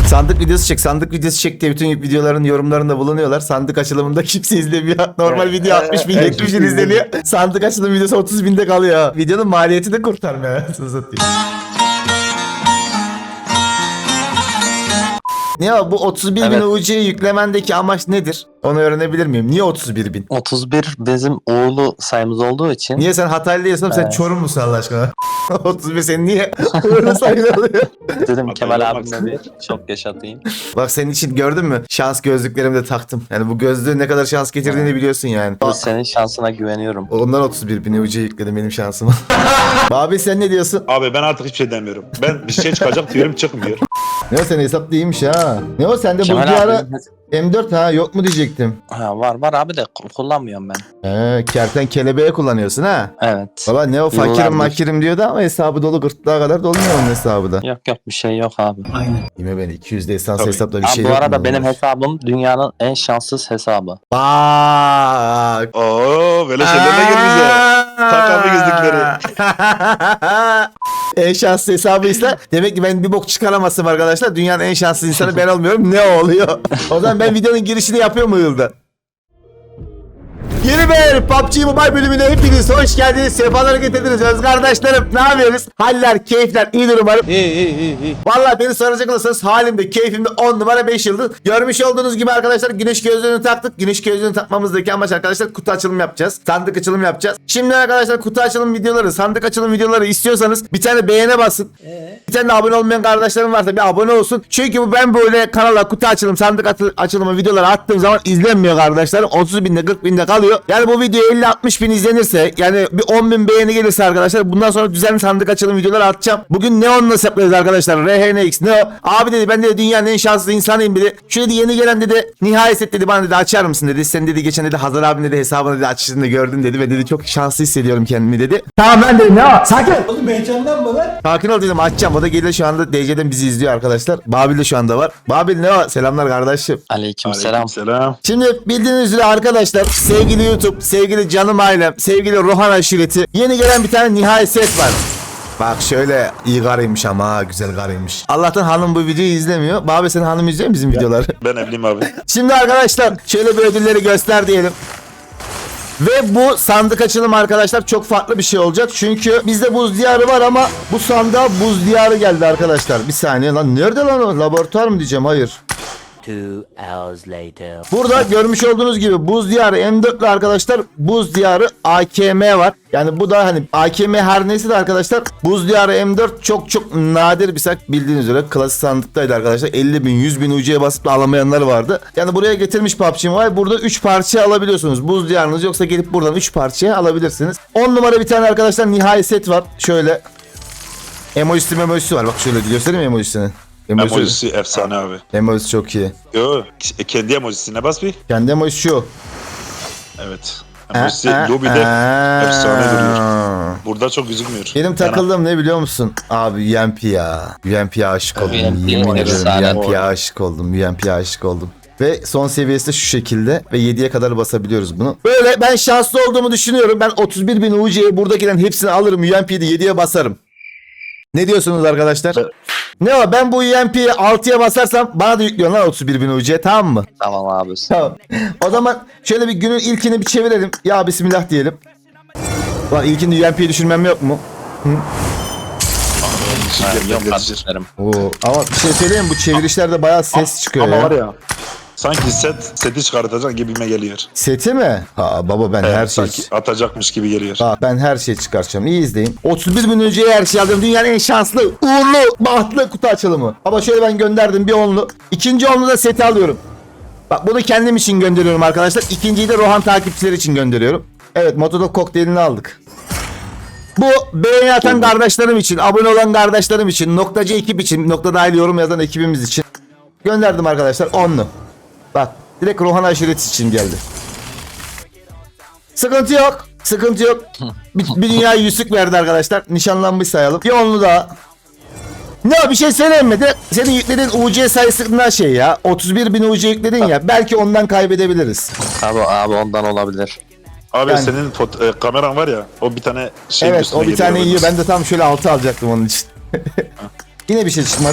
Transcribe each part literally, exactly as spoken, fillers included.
Sandık videosu çek, sandık videosu çek diye bütün videoların yorumlarında bulunuyorlar. Sandık açılımında kimse izlemiyor. Normal video altmış bin, yetmiş bin izleniyor. Sandık açılım videosu otuz binde kalıyor. Videonun maliyeti de kurtarmıyor. Ne ya bu otuz bir Evet. bin U C'yi yüklemendeki amaç nedir? Onu öğrenebilir miyim? Niye otuz bir bin? otuz bir bizim uğurlu sayımız olduğu için. Niye sen Hataylı değilsin? Sen Evet. Çorum musun Allah aşkına? otuz bir senin niye öyle sayılıyor? Dedim Kemal Hataylı abimle bir çok yaşatayım. Bak senin için gördün mü? Şans gözlüklerimi de taktım. Yani bu gözlüğün ne kadar şans getirdiğini biliyorsun yani. Bu senin şansına güveniyorum. Ondan otuz bir bin U C yükledim benim şansıma. Abi sen ne diyorsun? Abi ben artık hiçbir şey demiyorum. Ben bir şey çıkacak diyorum çıkmıyor. Ne o senin hesap değilmiş ha. Ne o sende bu Kemal ara abi. M dört ha yok mu diyecektim. Ha, var var abi de ku- kullanmıyorum ben. He, kerten kelebeğe kullanıyorsun ha. Evet. Baba ne o fakirim Yıllardır. makirim diyordu ama hesabı dolu gırtlağa kadar dolmuyor onun hesabı da. Yok yok bir şey yok abi. Yine beni iki yüz desans Tabii. hesapla bir Abi şey bu yok arada mu? benim hesabım dünyanın en şanssız hesabı. Bak. Oo böyle şeylerle gir bize. Tak abi gözlükleri. En şanslı hesabıysa demek ki ben bir bok çıkaramazsam arkadaşlar. Dünyanın en şanslı insanı ben olmuyorum. Ne oluyor? O zaman ben videonun girişini yapıyor mu Yılda? Yeni bir P U B G Mobile bölümüne hepiniz hoş geldiniz. Sefalar getirdiniz öz kardeşlerim. Ne yapıyoruz? Haller, keyifler iyidir umarım. İyi iyi iyi. iyi. Valla beni soracak olursanız halimde, keyfimde on numara beş yıldız. Görmüş olduğunuz gibi arkadaşlar güneş gözlüğünü taktık. Güneş gözlüğünü takmamızdaki amaç arkadaşlar kutu açılım yapacağız. Sandık açılım yapacağız. Şimdi arkadaşlar kutu açılım videoları, sandık açılım videoları istiyorsanız bir tane beğene basın. Bir tane de abone olmayan kardeşlerim varsa bir abone olsun. Çünkü bu ben böyle kanala kutu açılım, sandık atı- açılımı videoları attığım zaman izlenmiyor kardeşlerim. otuz binde kırk binde kalıyor. Yani bu video elli altmış bin izlenirse yani bir on bin beğeni gelirse arkadaşlar bundan sonra düzenli sandık açılım videoları atacağım. Bugün Neon'la hesaplıyoruz arkadaşlar. R H N X Neo. Abi dedi ben de dünyanın en şanslı insanıyım dedi. Şu dedi yeni gelen dedi nihayet dedi bana dedi açar mısın dedi. Sen dedi geçen dedi Hazar abinin dedi hesabını dedi açışını gördüm dedi ve dedi çok şanslı hissediyorum kendimi dedi. Tamam ben dedim Neo sakin. Oğlum heyecandan mı lan? Sakin ol dedim açacağım. O da gelir şu anda D C'den bizi izliyor arkadaşlar. Babil de şu anda var. Babil ne o? Selamlar kardeşim. Aleykümselam. Selam. Şimdi bildiğiniz üzere arkadaşlar sevgili YouTube, sevgili canım ailem, sevgili Rohan aşireti yeni gelen bir tane nihai set var. Bak şöyle iyi karıymış ama ha, güzel karıymış. Allah'tan hanım bu videoyu izlemiyor. Babi senin hanım izliyor mu bizim videoları? Ben evliyim abi. Şimdi arkadaşlar şöyle bir ödülleri göster diyelim. Ve bu sandık açılım arkadaşlar çok farklı bir şey olacak. Çünkü bizde buz diyarı var ama bu sandığa buz diyarı geldi arkadaşlar. Bir saniye lan nerede lan o? Laboratuvar mı diyeceğim? Hayır. Two hours later. Burada görmüş olduğunuz gibi buz diyarı M dört ile arkadaşlar buz diyarı A K M var. Yani bu da hani A K M her neyse de arkadaşlar buz diyarı M dört çok çok nadir bir sak bildiğiniz üzere klasik sandıktaydı arkadaşlar. elli bin yüz bin U C'ye basıp da alamayanlar vardı. Yani buraya getirmiş P U B G Mobile. Burada üç parça alabiliyorsunuz. Buz diyarınız yoksa gelip buradan üç parçaya alabilirsiniz. on numara bir tane arkadaşlar nihai set var. Şöyle emojisi emojisi var. Bak şöyle göstereyim mi emojisini? Emoji. Emojisi efsane abi. Emojisi çok iyi. Yo kendi emojisine bas bir. Kendi emojisi şu. Evet. Emojisi lobide efsane duruyor. Burada çok gözükmüyor. Benim takıldığım ne biliyor musun? Abi U M P ya. U M P'ye aşık oldum. U M P Yemin ederim efsane. U M P'ye aşık oldum. U M P'ye aşık oldum. Ve son seviyesi de şu şekilde ve yediye kadar basabiliyoruz bunu. Böyle ben şanslı olduğumu düşünüyorum. Ben otuz bir bin U C'ye buradakilerin hepsini alırım. U M P'yi de yediye basarım. Ne diyorsunuz arkadaşlar? Ne var ben bu U M P'yi altıya basarsam bana da yüklüyorsun lan otuz bir bin U C tamam mı? Tamam abi. Tamam. O zaman şöyle bir günün ilkini bir çevirelim. Ya bismillah diyelim. Lan ilkinde U M P'yi düşürmem yok mu? Ha, yok kardeşlerim. Oo, ama bir şey söyleyeyim mi? Bu çevirişlerde bayağı ses çıkıyor Ama ya. var ya. Sanki set seti çıkartacak gibime geliyor. Seti mi? Ha baba ben Evet, her şey... sanki atacakmış gibi geliyor. Ha, ben her şeyi çıkartacağım. İyi izleyin. otuz bir bin önceye her şey aldım. Dünyanın en şanslı, uğurlu, bahtlı kutu açılımı. Baba şöyle ben gönderdim bir onlu. İkinci onlu da seti alıyorum. Bak bunu kendim için gönderiyorum arkadaşlar. İkinciyi de Rohan takipçileri için gönderiyorum. Evet Motodok kokteylini aldık. Bu beğeni atan kardeşlerim için, abone olan kardeşlerim için, noktacı ekip için, nokta dahil yorum yazan ekibimiz için gönderdim arkadaşlar onlu. Bak direkt Rohan aşireti için geldi. Sıkıntı yok. Sıkıntı yok. Bir, bir dünya yüzük verdi arkadaşlar. Nişanlanmış sayalım. Bir onlu daha. Ne bir şey söyleyeyim mi? Direkt senin yüklediğin U C sayısından şey ya. otuz bir bin U C yükledin ya. Belki ondan kaybedebiliriz. Abi abi ondan olabilir. Abi Yani- senin foto- e, kameran var ya. O bir tane şey Evet o bir tane yiyor. Ben de tam şöyle altı alacaktım onun için. Yine bir şey çıkmadı.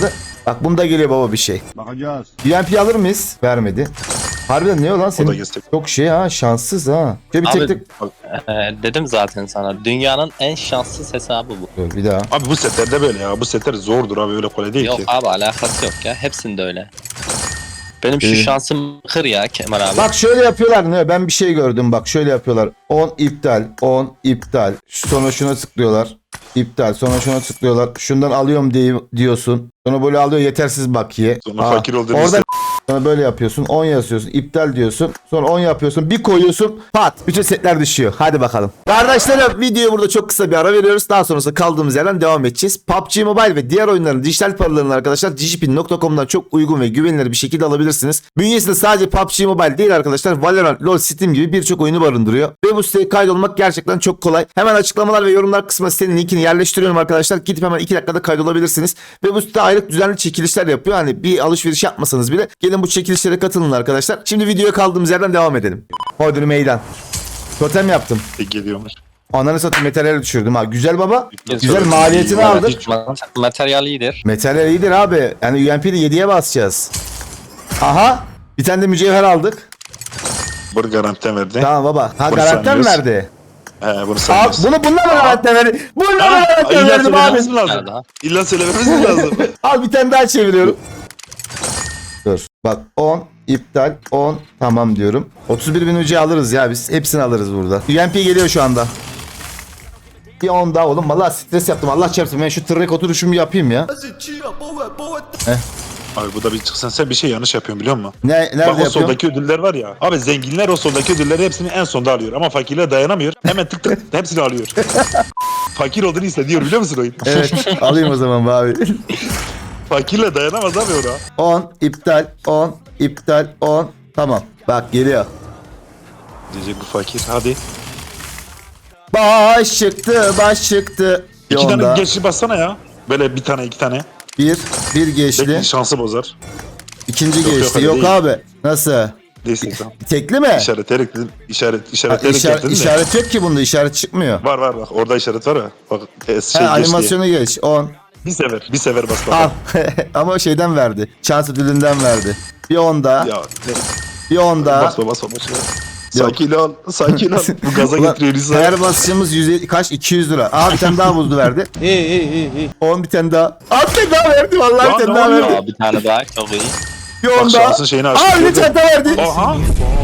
Bak bunda geliyor baba bir şey. Bakacağız. U M P alır mıyız? Vermedi. Harbiden ne o lan O da senin? göster. Çok şey ha, şanssız ha. Şöyle bir Abi- tek tek. Ee, dedim zaten sana. Dünyanın en şanssız hesabı bu. Dur bir daha. Abi bu setlerde böyle ya. Bu setler zordur abi, öyle kolay değil Yok ki. abi, alakası yok ya. Hepsinde öyle. Benim şu Ee? şansım kır ya Kemal abi. Bak şöyle yapıyorlar, ne? Ben bir şey gördüm, bak şöyle yapıyorlar. on iptal, on iptal. Sonra şuna tıklıyorlar. İptal. Sonra şuna tıklıyorlar. Şundan alıyorum diye diyorsun. Sonra böyle alıyor, yetersiz bakiye. Sonra Aa, fakir olduğunu orada hisset- sonra böyle yapıyorsun. on yazıyorsun. İptal diyorsun. Sonra on yapıyorsun. Bir koyuyorsun. Pat. Bütün setler düşüyor. Hadi bakalım. Kardeşlerim, videoyu burada çok kısa bir ara veriyoruz. Daha sonrasında kaldığımız yerden devam edeceğiz. P U B G Mobile ve diğer oyunların dijital paralarını arkadaşlar digipin nokta com'dan çok uygun ve güvenilir bir şekilde alabilirsiniz. Bünyesinde sadece P U B G Mobile değil arkadaşlar. Valorant, LoL, Steam gibi birçok oyunu barındırıyor. Ve bu siteye kaydolmak gerçekten çok kolay. Hemen açıklamalar ve yorumlar kısmına sitenin linkini yerleştiriyorum arkadaşlar. Gidip hemen iki dakikada kaydolabilirsiniz. Ve bu site aylık düzenli çekilişler yapıyor. Hani bir alışveriş yapmasanız bile gelin bu çekilişlere katılın arkadaşlar. Şimdi videoya kaldığımız yerden devam edelim. Hodri meydan. Totem yaptım. E, geliyormuş. Ananı satayım, materyal düşürdüm ha. Güzel baba. Güzel. Güzel maliyetini Evet, aldık. hiç- Materyal iyidir. Materyal iyidir abi. Yani U M P'de yediye basacağız. Aha. Bir tane de mücevher aldık. Bunu garanti verdi. Tamam baba. Ha, Bunu garanti mi saymıyoruz. verdi? He bunu Abi, saymıyoruz. bunu bundan mı garanti verdi? Bundan mı Ha, garanti illa verdim abi? söylememiz mi lazım? Nerede ha? İlla söylememiz mi lazım? Al bir tane daha çeviriyorum. Dur. Bak on. iptal on. Tamam diyorum. otuz bir bin ucu alırız ya biz. Hepsini alırız burada. U M P geliyor şu anda. Bir on daha oğlum. Vallahi stres yaptım. Allah çarpsın. Ben şu tırnak oturuşumu yapayım ya. Abi bu da bir çıksın, sen bir şey yanlış yapıyorsun biliyor musun? Ne, nerede Bak o yapıyorum? soldaki ödüller var ya. Abi zenginler o soldaki ödülleri hepsini en sonda alıyor. Ama fakirler dayanamıyor. Hemen tık tık hepsini alıyor. Fakir olduğunu hissediyor biliyor musun oyun? Evet. Alayım o zaman be abi. Fakirle dayanamaz abi ona. on. iptal on. iptal on. Tamam. Bak geliyor. Diyecek bu fakir, hadi. Baş çıktı. Baş çıktı. Bir İki on tane daha. geçli bassana ya. Böyle bir tane iki tane. Bir. Bir geçli. Belki şansı bozar. İkinci Yok, yok, geçti. öyle Yok değil. abi. Nasıl? Neyse tamam. Tekli mi? İşaretleyerek dedim. İşaret, Ha, işaretleyerek işaret, yaptın da. işaret yok ki bunda. İşaret çıkmıyor. Var var bak, orada işaret var ya. Bak e, şey Ha, geç diye. animasyonu geç. on. Bir sefer, bir sefer bas bak. Al. Ama şeyden verdi. Şans ödülünden verdi. Bir on daha. Ya ne? Bir on daha. Basma basma basma. Sakin ol, sakin ol. Bu gaza Ulan, getiriyor insan. her basışımız yüz elli, kaç? iki yüz lira. Aa bir tane daha buzlu verdi. on bir tane daha. Aa bir tane daha verdi vallahi Lan bir tane ne daha oluyor? verdi. Aa, bir tane daha çok iyi. Bir on Bak daha. şansın şeyini açtı. Aa bir gördün mü? tane daha verdi. Oha.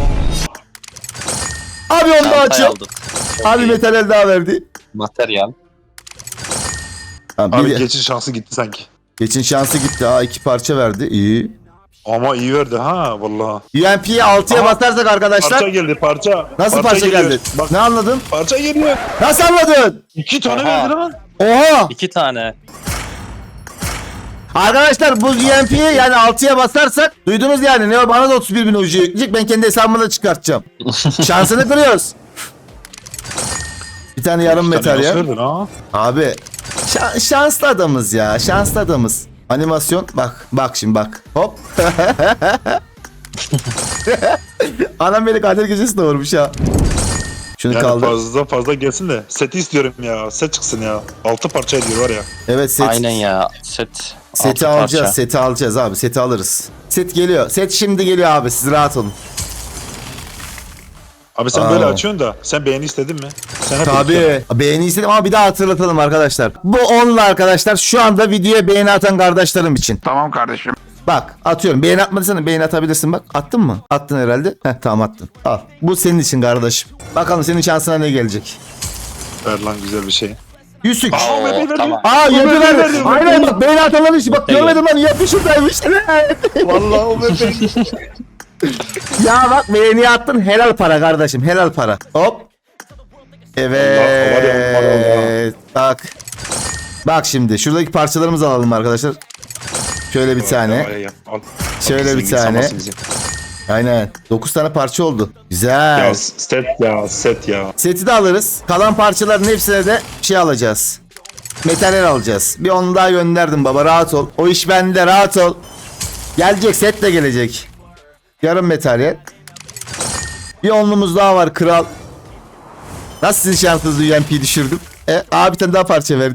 Abi onu da Çantayı açıyor. aldık. Çok Abi iyi. metal daha verdi. Materyal. Ha, Abi bir, geçin şansı gitti sanki. geçin şansı gitti. Aa iki parça verdi. İyi. Ama iyi verdi ha vallahi. U M P'yi altıya Aha. basarsak arkadaşlar. Parça geldi parça. Nasıl parça, geliyor. geldi? Bak Ne anladın? parça geliyor. Nasıl anladın? İki tane Aha. verdi lan. Oha! İki tane. Arkadaşlar bu U M P'yi yani altıya basarsak duydunuz yani, ne o, bana da otuz bir bin ucu yükleyecek, ben kendi hesabımı da çıkartacağım. Şansını kırıyoruz. Bir tane yarım İki tane metal ya. nasıl verdin ha? Abi şa- şanslı adamız ya, şanslı adamız. Animasyon bak bak şimdi bak hop. Anam beni kader gecesi doğurmuş ha. Şunu Yani kaldır. fazla fazla gelsin de seti istiyorum ya. Set çıksın ya. Altı parça ediyor var ya. Evet set. Aynen ya. Set. Seti altı alacağız, parça. seti alacağız abi, seti alırız. Set geliyor, set şimdi geliyor abi, siz rahat olun. Abi sen Aa. böyle açıyorsun da sen beğeni istedin mi? Sen hep istiyorsun. Tabii. Beğeni istedim ama bir daha hatırlatalım arkadaşlar. Bu onla arkadaşlar şu anda videoya beğeni atan kardeşlerim için. Tamam kardeşim. Bak atıyorum. Beğeni atmadıysan beğeni atabilirsin bak. Attın mı? Attın herhalde. Heh tamam attın. Al. Bu senin için kardeşim. Bakalım senin şansına ne gelecek. Ver lan güzel bir şey. Yüzük. Aa, Oo, ben verdim. tamam. Aa ben yapı verdi. verdim, ben Aynen bak beğeni atanların işi. Bak Evet. görmedim lan, yapışırdaymış. Vallahi o bebeğim. Ya bak beğeni attın, helal para kardeşim, helal para. Hop. Evet. Bak. Bak şimdi şuradaki parçalarımızı alalım arkadaşlar. Şöyle bir tane. Al. Şöyle bir Zengin, tane. sanmasın bizim. Aynen. dokuz tane parça oldu. Güzel. Ya set ya set ya. Seti de alırız. Kalan parçaların hepsine de şey alacağız. Materyal alacağız. Bir onu daha gönderdim baba, rahat ol. O iş bende, rahat ol. Gelecek, set de gelecek. Yarım materyal. Bir onlumuz daha var kral. Nasıl sizin şansınızı U M P'yi düşürdüm? E, abi bir tane daha parça verdi. Abi,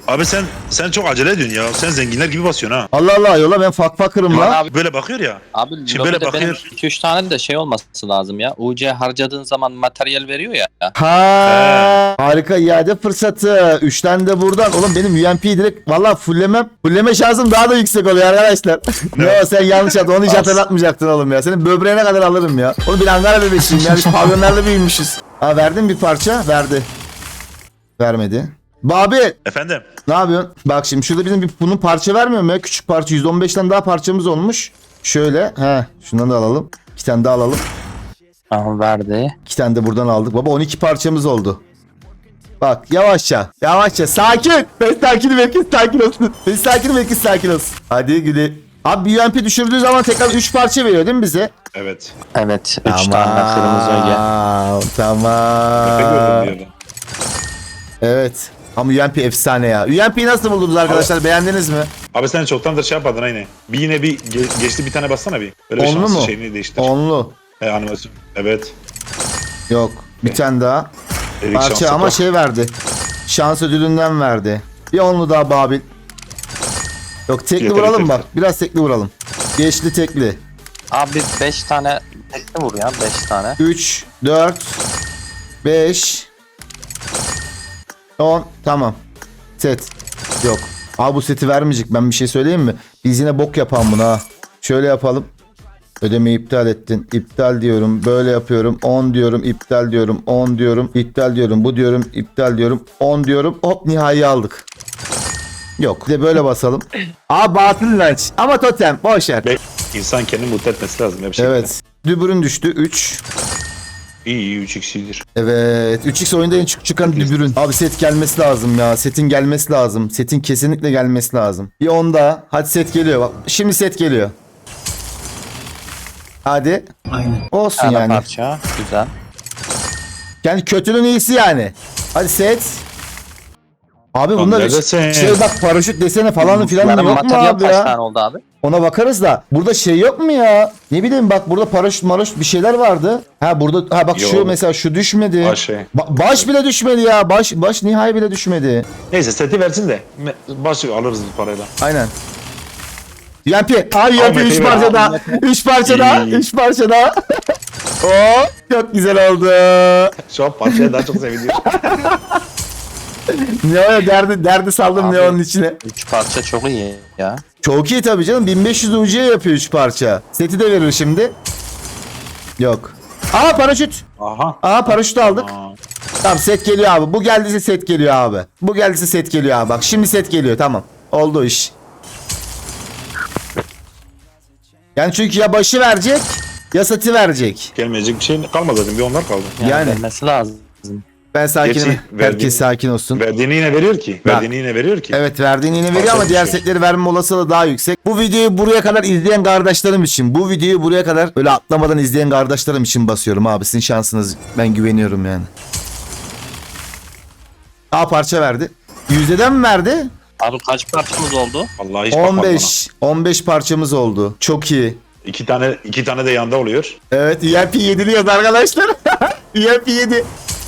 Abi sen sen çok acele ediyorsun ya. Sen zenginler gibi basıyorsun ha. Allah Allah yola ben fak fakırım Lan la. abi, Böyle bakıyor ya. abi Şimdi böyle lobide benim bakıyor. iki üç tane de şey olması lazım ya. U C harcadığın zaman materyal veriyor ya. Ha, harika iade fırsatı. Üç tane de buradan. Oğlum benim U M P'yi direkt valla fullemem. Fulleme şansım daha da yüksek oluyor arkadaşlar. Ne o sen yanlış yaptın. Onu hiç Az. hatırlatmayacaktın oğlum ya. Senin böbreğine kadar alırım ya. Oğlum bir Ankara bebeşiyim ya. Biz pavyonlarla büyümüşüz. Ha verdin bir parça. Verdi. Vermedi. Babi Efendim. ne yapıyorsun? Bak şimdi şurada bizim bir bunun parça vermiyor mu ya? Küçük parça. yüz on beşten daha parçamız olmuş. Şöyle. He. Şundan da alalım. İki tane daha alalım. Aha verdi. İki tane de buradan aldık. Baba on iki parçamız oldu. Bak yavaşça. Yavaşça. Sakin. Ben sakinim. Herkes sakin olsun. Ben sakinim. Herkes sakin olsun. Hadi güle. Abi bir U M P düşürdüğü zaman tekrar üç parça veriyor değil mi bize? Evet. Evet. üç tane kırmızı öge. Tamam. Efe gördüm Tamam. bir yerden. Evet. Ama U M P efsane ya. U M P'yi nasıl buldunuz arkadaşlar? Beğendiniz mi? Abi sen çoktandır şey yapmadın aynı. Bir yine bir ge- geçti bir tane bassana bir. Böyle bir Onlu şanslı mu? şeyini değiştir. Onlu. He animasyon. Evet. Yok. Bir tane daha. Erik Parça şansı ama bak. şey verdi. Şans ödülünden verdi. Bir onlu daha Babil. Yok tekli Yeter, vuralım yeter. bak. Biraz tekli vuralım. Geçli tekli. Abi beş tane tekli vur ya beş tane. üç, dört, beş, on. Tamam. Set. Yok. Abi bu seti vermeyecek. Ben bir şey söyleyeyim mi? Biz yine bok yapalım bunu ha. Şöyle yapalım. Ödemeyi iptal ettin. İptal diyorum. Böyle yapıyorum. on diyorum. İptal diyorum. on diyorum. İptal diyorum. Bu diyorum. İptal diyorum. on diyorum. Hop nihai aldık. Yok. Bir de böyle basalım. Aa batıl inanç. Ama totem. Boş ver. Be- İnsan kendini mutlu etmesi lazım. Ya bir şekilde. Evet. Dübürün düştü. üç. İyi iyi üç x'idir. Evet. üç x oyunda en çık çıkan dübürün. Abi set gelmesi lazım ya. Setin gelmesi lazım. Setin kesinlikle gelmesi lazım. Bir on daha. Hadi set geliyor. Bak. Şimdi set geliyor. Hadi. Aynen. Olsun Tane yani. parça. Güzel. Yani kötünün iyisi yani. Hadi set. Abi Lan bunda neredesin? şey bak paraşüt desene falan filan Bunların yok mu materyal abi kaç ya? tane oldu abi? Ona bakarız da. Burada şey yok mu ya? Ne bileyim bak burada paraşüt maraşüt bir şeyler vardı. Ha burada ha bak şu Yok. mesela şu düşmedi. Baş şey. Ba- baş bile düşmedi ya. Baş baş nihai bile düşmedi. Neyse seti versin de. me- Başı alırız bu parayla. Aynen. U M P. Ay U M P Ahmet'i üç ver. parça daha. üç parça daha. İyi. üç parça daha. Oo, çok güzel oldu. Şu an parçaya daha çok seviniyor. Neo'ya derdi, derdi saldım Abi. Neo'nun içine. üç parça çok iyi ya. Çok iyi tabii canım. bin beş yüz U C yapıyor üç parça. Seti de verir şimdi. Yok. Aa paraşüt. Aha. Aa paraşüt aldık. Aa. Tamam set geliyor abi. Bu geldiyse set geliyor abi. Bu geldiyse set geliyor abi. Bak şimdi set geliyor tamam. Oldu o iş. Yani çünkü ya başı verecek ya seti verecek. Gelmeyecek bir şey kalmadı zaten. Bir onlar kaldı. Yani, Yani. vermesi lazım. Ben sakinim. Gerçi Herkes verdiğini- sakin olsun. Verdiğini yine veriyor ki. Bak. Verdiğini yine veriyor ki. Evet verdiğini yine veriyor Parça ama diğer düşüyor. setleri verme olasılığı daha yüksek. Bu videoyu buraya kadar izleyen kardeşlerim için, bu videoyu buraya kadar öyle atlamadan izleyen kardeşlerim için basıyorum abi. Sizin şansınız. Ben güveniyorum yani. A parça verdi. Yüzdeden mi verdi? Abi kaç parçamız oldu? Vallahi hiç bakmadım on beş. on beş parçamız oldu. Çok iyi. ona. İki tane, iki tane de yanda oluyor. Evet U M P yediliyoruz arkadaşlar. U M P yedi.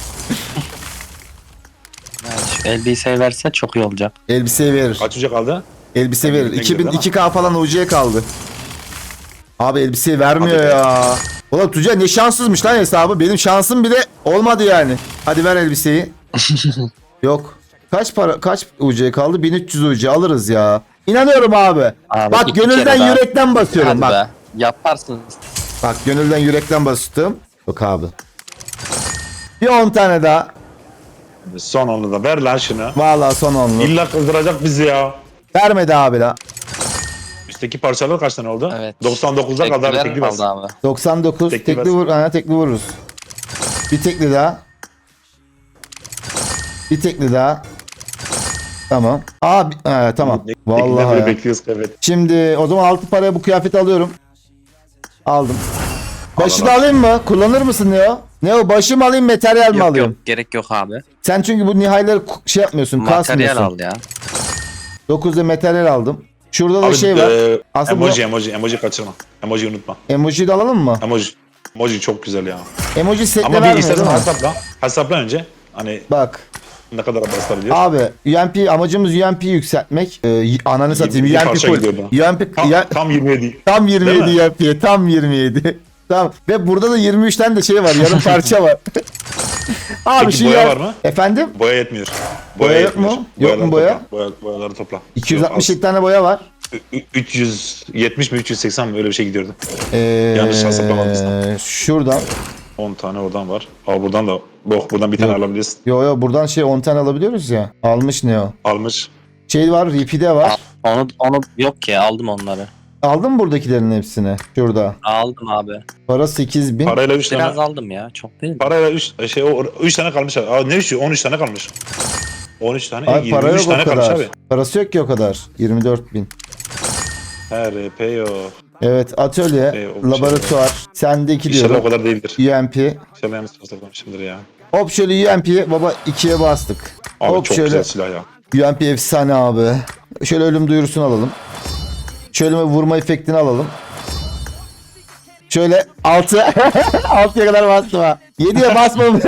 Yani şu elbiseyi verse çok iyi olacak. Elbise verir. Kaç uca kaldı? Elbise verir. Elbise iki bin güzel iki K falan U C kaldı. Abi elbiseyi vermiyor Hadi be. ya. Ulan Tuncay ne şanssızmış lan hesabı. Benim şansım bile olmadı yani. Hadi ver elbiseyi. Yok. Kaç para kaç U C kaldı? bin üç yüz U C alırız ya. İnanıyorum abi. Abi Bak iki gönülden kere daha. yürekten basıyorum Hadi bak. be. Yaparsın. Bak gönülden yürekten bastım. Yok abi. Bir on tane daha. Son onu da ver lan şunu. Vallahi son onlu. İlla kızdıracak bizi ya. Vermedi abi la. Üstteki parçalar kaç tane oldu? Evet. doksan dokuzda kaldı abi Tekliler tekli kaldı bas. abi. doksan dokuz Tekli tekli, bas. vur, ha, tekli vururuz. Bir tekli daha. Bir tekli daha. Tamam. Aa, bi- he, tamam. Tekliler Vallahi böyle ya. bekliyoruz evet. Şimdi o zaman altı paraya bu kıyafeti alıyorum. Aldım. Başı Al, da al. alayım mı? Kullanır mısın Neo? Neo başı mı alayım materyal mi Yok alayım? yok gerek yok abi. Sen çünkü bu nihayları ku- şey yapmıyorsun, Materyal kasmıyorsun. al ya. dokuzda materyal aldım. Şurada da Abi şey var. e, Aslında emoji emoji emoji kaçırma. Emoji unutma. Emoji'yi de alalım mı? Emoji. Emoji çok güzel ya. Emoji setle Ama bir vermiyor istersen değil mi? hesapla. Hesapla önce. Hani Bak. Ne kadar basabiliyor? Abi U M P amacımız U M P'yi yükseltmek. Ee, ananı satayım Bir U M P parça full. gidiyordu. U M P Tam, ya, tam yirmi yedi. tam yirmi yedi Değil mi? U M P'ye tam yirmi yedi. Tamam. Ve burada da yirmi üç tane de şey var. Yarım parça var. Abi Peki şu boya ya- var mı? Efendim? Boya yetmiyor. Boya yok yetmiyor. mu? Yok mu Boyaları boya? Topla. Boya, boyaları topla. iki yüz Yok, altmış az. yedi tane boya var. Ü- üç yüz yetmiş mi üç yüz seksen mi öyle bir şey gidiyordu. Ee, Yanlış hesaplamadıysam. Şuradan. on tane oradan var. Al buradan da. Bok buradan bir tane Yok. alabilirsin. Yo yo buradan şey on tane alabiliyoruz ya. Almış ne o? Almış. Şey var, Ripi'de var. Onu onu yok ki aldım onları. Aldın mı buradakilerin hepsini? Şurada. Aldım abi. Para sekiz bin. Parayla üç Biraz tane. aldım ya. Çok değil. Parayla üç şey o üç tane kalmış abi. Aa, ne üçü? on üç tane kalmış. on üç tane. Abi para yirmi üç yok o tane kalmış kadar. abi. Parası yok ki o kadar. yirmi dört bin. He R P yok. Evet, atölye, Ee, o laboratuvar, sendeki İnşallah o diyorum. kadar değildir. U M P. İnşallah yanlış hesaplamışımdır ya. Hop şöyle U M P baba ikiye bastık. Abi Hop çok şöyle güzel silah ya. U M P efsane abi. Şöyle ölüm duyurusunu alalım. Şöyle bir vurma efektini alalım. Şöyle altı altıya kadar bastım ha. yediye basmam.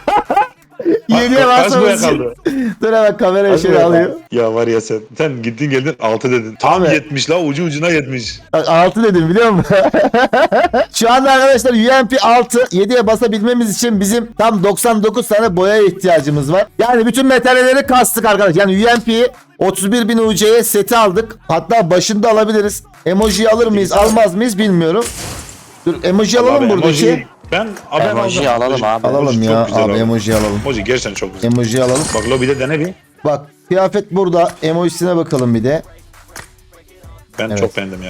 yediye Kaç boya basmam. kaldı? Dur hemen kamerayı Kaç şöyle boya kaldı? alayım. Ya var ya sen. Sen gittin geldin altı dedin. Tam Abi. yetmiş la ucu ucuna yetmiş. Bak altı dedim biliyor musun? Şu anda arkadaşlar U M P altı yediye basabilmemiz için bizim tam doksan dokuz tane boyaya ihtiyacımız var. Yani bütün metalleri kastık arkadaşlar. Yani U M P'yi otuz bir bin U C'ye seti aldık. Hatta başında alabiliriz. Emoji alır mıyız almaz mıyız bilmiyorum. Dur emoji alalım Abi, buradaki. emoji- Ben abi ben Emoji aldım. alalım abi. Alalım Emoji ya çok güzel abi, abi. emoji alalım. Emoji gerçekten çok güzel. Emoji alalım. Bak lobide dene bir. Bak kıyafet burada. Emojisine bakalım bir de. Ben Evet. çok beğendim ya.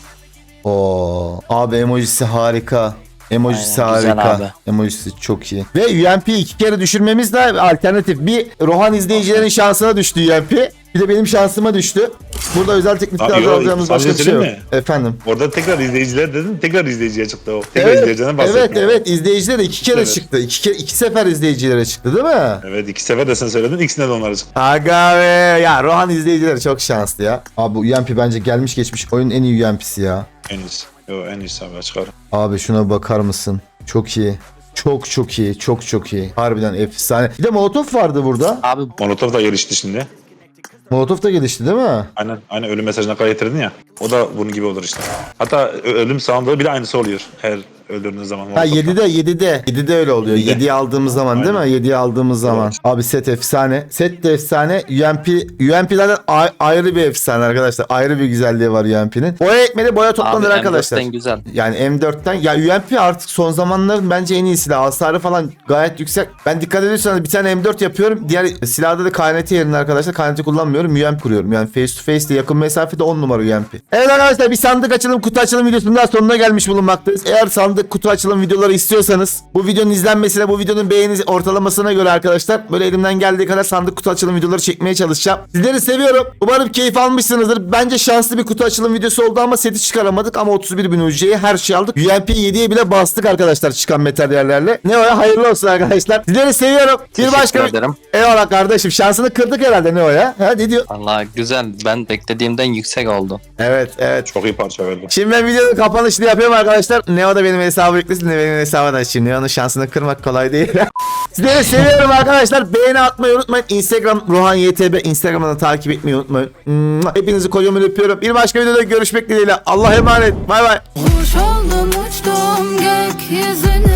Oo, abi emojisi harika. Emojisi Aynen, güzel harika. abi. Emojisi çok iyi. Ve U M P'yi iki kere düşürmemiz de alternatif. Bir Rohan izleyicilerin şansına düştü U M P. Bir de benim şansıma düştü. Burada özel teknikler Abi, yo, alacağımız başka sadece bir şey yok. söyleyeyim Efendim. Orada tekrar izleyiciler dedin. Tekrar izleyiciye çıktı o. Tekrar Evet, izleyiciden bahsettim. evet, evet. İzleyicilere iki kere Evet. çıktı. İki, kere, iki sefer izleyicilere çıktı değil mi? Evet iki sefer de sen söyledin. İkisine de onlara çıktı. Aga be. Ya Rohan izleyicileri çok şanslı ya. Abi bu U M P bence gelmiş geçmiş oyunun en iyi U M P'si ya. En iyisi. Yo en iyisi abi çıkar. Abi şuna bakar mısın? Çok iyi. Çok çok iyi. Çok çok iyi. Harbiden efsane. Bir de Molotov vardı burada. Abi Molotov da gelişti şimdi. Molotov da gelişti değil mi? Aynen, aynen ölüm mesajına kadar getirdin ya. O da bunun gibi olur işte. Hatta ö- ölüm sound'u bile aynısı oluyor. Her öldürdüğün zaman. Ha Molotov'da. yedide yedide. yedide öyle oluyor. yedide. yediye aldığımız zaman değil mi? Aynen. yediye aldığımız zaman. Evet. Abi set efsane. Set de efsane. U M P U M P'lerden a- ayrı bir efsane arkadaşlar. Ayrı bir güzelliği var U M P'nin. Boya ekmeli boya abi toplanır arkadaşlar. M dörtten güzel. Yani M dörtten ya U M P artık son zamanların bence en iyi silahı. Hasarı falan gayet yüksek. Ben dikkat ediyorsanız bir tane M dört yapıyorum. Diğer silahda da K N T yerine arkadaşlar K N T kullanmıyorum. U M P kuruyorum. Yani face to face de yakın mesafede on numara U M P. Evet arkadaşlar bir sandık açılım kutu açılım videosunun daha sonuna gelmiş bulunmaktayız. Eğer sandık kutu açılım videoları istiyorsanız bu videonun izlenmesine bu videonun beğeni ortalamasına göre arkadaşlar böyle elimden geldiği kadar sandık kutu açılım videoları çekmeye çalışacağım. Sizleri seviyorum. Umarım keyif almışsınızdır. Bence şanslı bir kutu açılım videosu oldu ama seti çıkaramadık ama otuz bir bin U C'ye her şey aldık. U M P yediye bile bastık arkadaşlar çıkan materyallerle. Ne o ya hayırlı olsun arkadaşlar. Sizleri seviyorum. Bir Teşekkür başka ederim. Eyvallah kardeşim. Şansını kırdık herhalde ne o ya? Ha ne diyor? Vallahi güzel. Ben beklediğimden yüksek oldu. Evet evet. Çok iyi parça verdi. Şimdi ben videonun kapanışını yapıyorum arkadaşlar. Neo da benim hesabı yüklesin de benim hesabı da açayım. Neo'nun şansını kırmak kolay değil. Sizleri seviyorum arkadaşlar. Beğeni atmayı unutmayın. Instagram Rohan Y T B. Instagram'dan takip etmeyi unutmayın. Hepinizi kocaman öpüyorum. Bir başka videoda görüşmek dileğiyle. Allah'a emanet. Bay bay. Kuş oldum uçtum gökyüzüne.